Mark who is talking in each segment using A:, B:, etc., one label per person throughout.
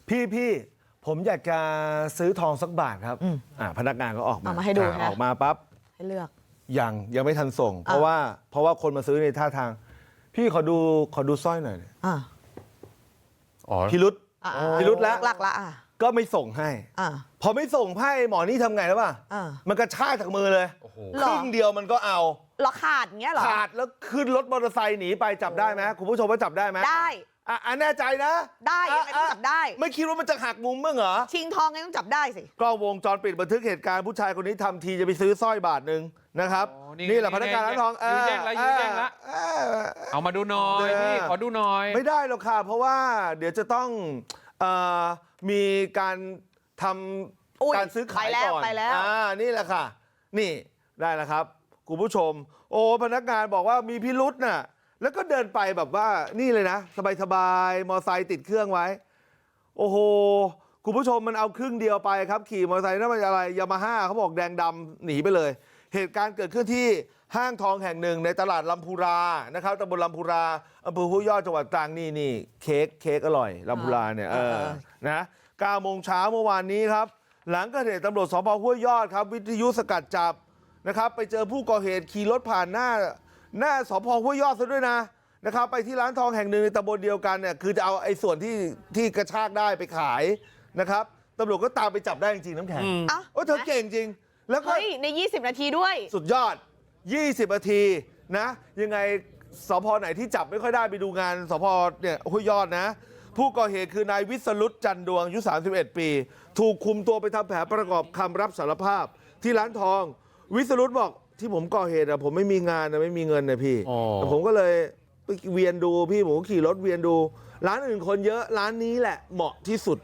A: พี่ผมอยากจะซื้อทองสักบาทครับพนักงานก็ออกมา
B: ให้ดู
A: ออกมาปั๊บ
B: ให้เลือก
A: ยังไม่ทันส่ง เพราะว่าคนมาซื้อในท่าทางพี่ขอดูสร้อยหน่อยพิรุธแล้ว
B: หลักละ
A: ก็ไม่ส่งให้พอไม่ส่งให้หมอนี่ทำไงแล้วป่ะมันกระชากจากมือเลยครึ่งเดียวมันก็เอา
B: ขาดเงี้ยเหรอ
A: ขาดแล้วขึ้นรถมอเตอร์ไซค์หนีไปจับได้ไหมคุณผู้ชมว่าจับได้ไหม
B: ได้
A: แน่ใจนะ
B: ได้ยังไงต้องจับได้
A: ไม่คิดว่ามันจะหักมุมมั้งเหรอ
B: ชิงทองไงต้องจับได้สิ
A: กล้องวงจรปิดบันทึกเหตุการณ์ผู้ชายคนนี้ทำทีจะไปซื้อสร้อยบาทนึงนะครับนี่แหละพนักงานร้านทอง
C: ยื้อแย่งละเอามาดูหน่อยพี่ขอดูหน่อย
A: ไม่ได้หรอกค่ะเพราะว่าเดี๋ยวจะต้องมีการทำการซื้อขายก่อนนี่แหละค่ะนี่ได้แล้วครับคุณผู้ชมโอ้พนักงานบอกว่ามีพิรุษน่ะแล้วก็เดินไปแบบว่านี่เลยนะสบายมอไซค์ติดเครื่องไว้โอ้โหคุณผู้ชมมันเอาครึ่งเดียวไปครับขี่มอเตอร์ไซค์นั่นมันอะไรยามาฮ่าเขาบอกแดงดำหนีไปเลยเหตุการณ์เกิดขึ้นที่ห้างทองแห่งหนึ่งในตลาดลำพูรานะครับตำบลลำพูราอำเภอห้วยยอดจังหวัดตรังนี่เค้กอร่อยลำพูราเนี่ยนะ9 โมงเช้าเมื่อวานนี้ครับหลังเกิดเหตุตำรวจสพห้วยยอดครับวิทยุสกัดจับนะครับไปเจอผู้ก่อเหตุขี่รถผ่านหน้าสพห้วยยอดซะด้วยนะครับไปที่ร้านทองแห่งหนึ่งในตำบลเดียวกันเนี่ยคือจะเอาไอ้ส่วนที่กระชากได้ไปขายนะครับตำรวจก็ตามไปจับได้จริงน้ำแข็งโอ้เธอเก่งจริงแล้วก็
B: ใน20 นาทีด้วย
A: สุดยอด20 นาทีนะยังไงสพไหนที่จับไม่ค่อยได้ไปดูงานสพเนี่ยห้วยยอดนะผู้ก่อเหตุคือนายวิศรุตจันดวงอายุ31 ปีถูกคุมตัวไปทำแผนประกอบคำรับสารภาพที่ร้านทองวิศรุตบอกที่ผมก่อเหตุผมไม่มีงานไม่มีเงินนะพี่แต่ผมก็เลยไปเวียนดูพี่ผมขี่รถเวียนดูร้านอื่นคนเยอะร้านนี้แหละเหมาะที่สุด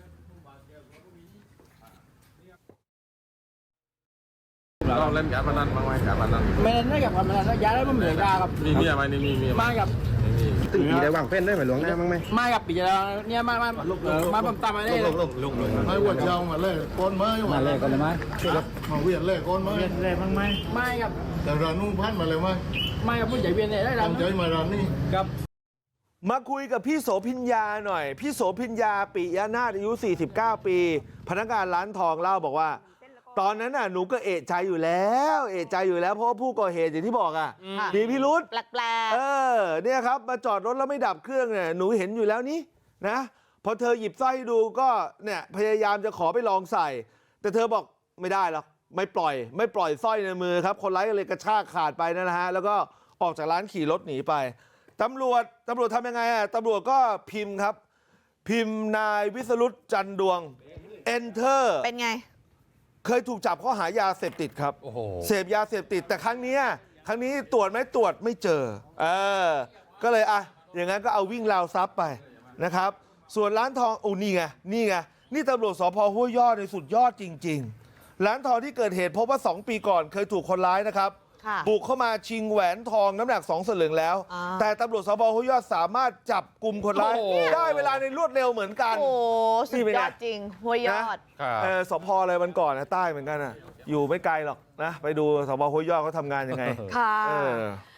C: เราเล่นการพนันบ้างไหมการพนัน
D: ไม่เล่นได้กับการพนันย้ายได้ไม่เหมือนกันครับ
C: มีเมียไหมนี่มีเมีย
D: มากับ
E: ตึ้งปีได้วางเฟ้นได้ไหมหลวงได้บ้างไหม
D: มากับปีแล้วเนี่ยมาผมตามมาได้เลย
F: ให้วัวเจ้ามาเล่ก้นไม้
E: มาเล่ก่อนเลยไหม
F: มาเวียนเล่ก้นไม้
D: เวียนเล่บ้างไหมไม่กับ
F: แต่ร้านนู้นพันมาเลยไหม
D: ไม่กับผู้ใหญ่เวียนได้ร้าน
F: ใจมาร้านนี้
D: ครับ
A: มาคุยกับพี่โสพิญญาหน่อยพี่โสพิญญาปิยนาถอายุ49 ปีพนักงานร้านทองเล่าบอกว่าตอนนั้นน่ะหนูก็เอะใจอยู่แล้วเพราะว่าผู้ก่อเหตุอย่างที่บอกมีพิรุธ
B: แปลก
A: เนี่ยครับมาจอดรถแล้วไม่ดับเครื่องเนี่ยหนูเห็นอยู่แล้วนี่นะพอเธอหยิบสร้อยดูก็เนี่ยพยายามจะขอไปลองใส่แต่เธอบอกไม่ได้หรอกไม่ปล่อยสร้อยในมือครับคนร้ายก็เลยกระชากขาดไปนะฮะแล้วก็ออกจากร้านขี่รถหนีไปตำรวจทำยังไงตำรวจก็พิมพ์ครับพิมพ์นายวิศรุตจันดวง enter
B: เป็นไง
A: เคยถูกจับข้อหายาเสพติดครับเสพยาเสพติดแต่ครั้งนี้ตรวจไหมตรวจไม่เจอก็เลยอย่างนั้นก็เอาวิ่งราวทรัพย์ไปนะครับส่วนร้านทองนี่ไงนี่ตำรวจสพห้วยยอดในสุดยอดจริงๆร้านทองที่เกิดเหตุพบว่า2 ปีก่อนเคยถูกคนร้ายนะครับบุกเข้ามาชิงแหวนทองน้ำหนัก2 สลึงแล้วแต่ตำรวจสพห้วยยอดสามารถจับกลุ่มคนร้ายได้เวลาในรวดเร็วเหมือนกัน
B: โอ้สุดยอดจริงห้วยยอด
A: สพอะไรมันก่อนนะใต้เหมือนกันอยู่ไม่ไกลหรอกนะไปดูสพห้วยยอดเขาทำงานยังไง
B: ค่ะ